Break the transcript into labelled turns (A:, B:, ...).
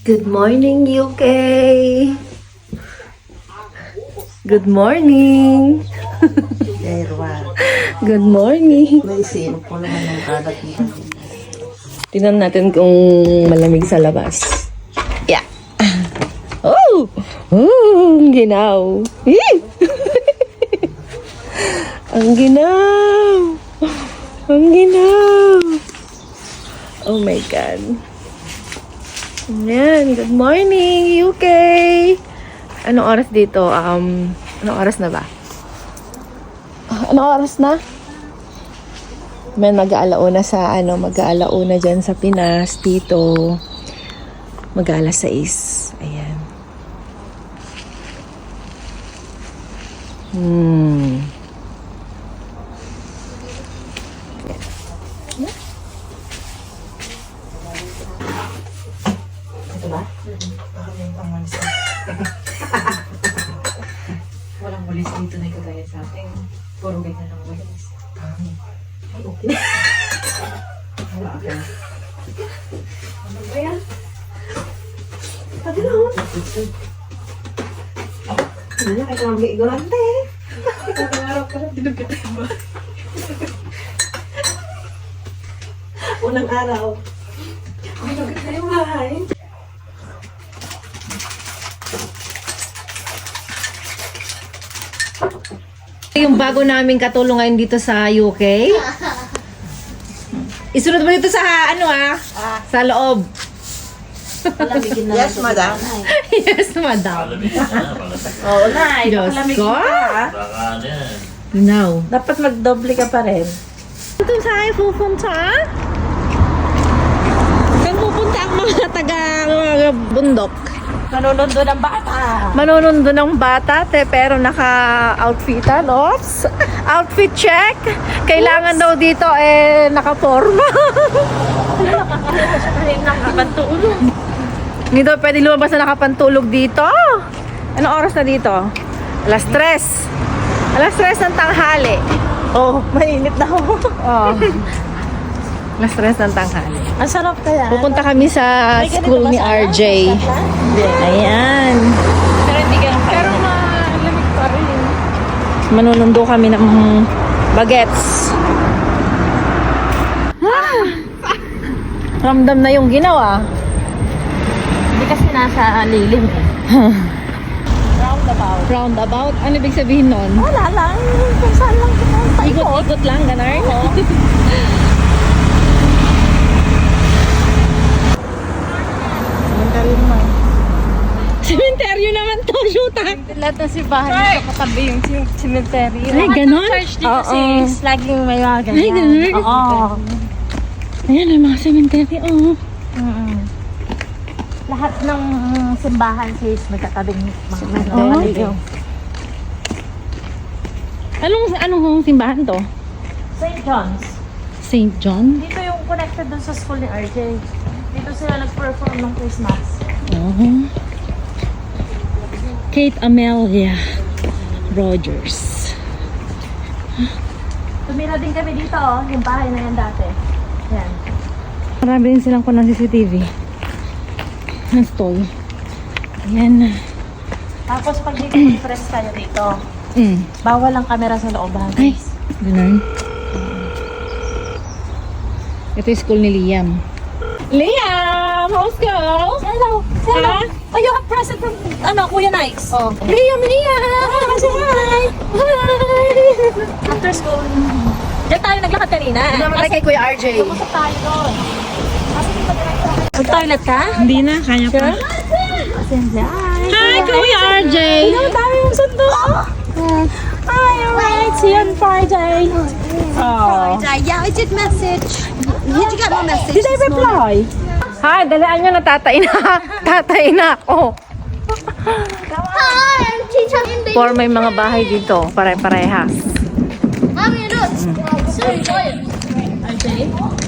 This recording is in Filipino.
A: Good morning, UK! Good morning! Good morning!
B: May sino po naman ng kalat dito.
A: Tingnan natin kung malamig sa labas. Yeah! Oh! Oh! Ang ginaw! Ang ginaw! Ang ginaw! Oh my God! Ayan, good morning, UK! Anong oras dito? Anong oras na ba? Anong oras na? Man, mag-aalauna sa, mag-aalauna dyan sa Pinas, dito. Mag-aalas 6. Ayan.
B: Ito ba? Baka may pangwalis. Walang walis dito na kagaya sa atin. Puro ganyan ng walis. Ay, okay. Ano ba yan? Pati na ako. Ano na, kahit naman igorante. Unang araw pa lang, dinugit tayo ba? Unang araw. Dinugit tayo bahay.
A: Yung bago naming katulong ngayon dito sa UK. Isunod mo dito sa, sa loob.
B: Yes, madam.
A: Yes, madam.
B: Oo na,
A: Diyos
B: ipapalamig
A: ko.
B: ka.
A: Now.
B: Dapat magdoble ka pa rin.
A: Ito saan pupunta? Saan pupunta ang mga mga bundok?
B: Manunundo ng bata.
A: Manonondo ng bata, pero naka-outfitan. Oops! Outfit check! Kailangan daw dito, naka-forma.
B: Nakakantulog.
A: Hindi daw pwede lumabas na nakapantulog dito. Anong oras na dito? Alas 3. Alas 3 ng tanghali.
B: Oh, mainit na ako.
A: Oh. Alas 3 ng tanghali.
B: Ang sarap kaya.
A: Pupunta kami sa school ni RJ. Ayan.
B: Pero hindi ganun pero malamig pa rin.
A: Manunundo kami ng bagets. Ramdam na yung ginawa.
B: Hindi kasi nasa lilim eh. Roundabout.
A: Roundabout? Ano ibig sabihin nun?
B: Wala lang. Kung saan lang pumunta.
A: Ikot-ikot lang, ganun?
B: Oo. Cemetery naman.
A: Sementeryo naman to, shoota.
B: Lahat ng simbahan dito katabi yung cemetery.
A: Ay, ganon?
B: Church dito
A: Oo.
B: sis. Laging may mga ganyan.
A: Ay, ganon?
B: Oo.
A: Ayan, ang mga sementeryo, oh.
B: Lahat ng simbahan sis may katabing mga
A: Oo.
B: yung
A: Anong simbahan to?
B: St. John's.
A: St. John?
B: Dito yung connected dun sa school ni RJ. Dito sila nag-perform ng Christmas.
A: Oh. Kate Amelia Rogers.
B: Tumira din kami dito yung bahay na yan dati. Yan.
A: Marami rin silang kunang CCTV. Ng stall. Ayan.
B: Tapos pag dito mag-press tayo dito, bawal ang camera sa looban.
A: Ay, ganun. Ito yung school ni Liam. Liam! How's go?
B: Hello! Hello! Oh, you have present from, Kuya Nikes. Oh.
A: Liam!
B: Hi! After school. Diyan tayo naglakad kanina.
A: Namatay kay Kuya RJ.
B: Pumunta tayo doon. Mag-toilet ka?
A: Hindi na, kanya pa. Hi, Kuya RJ!
B: Ang dami yung sundo. Hi, alright. See you on Friday.
A: Oh.
C: Yeah, I did message. Did you get my message?
A: Did I reply? Hi, dalaan nyo na tatay na. Tatay na ako.
C: Hi, I'm teacher in baby.
A: For may mga bahay dito, pare-parehas.
C: Mommy, look. So enjoying.
B: RJ?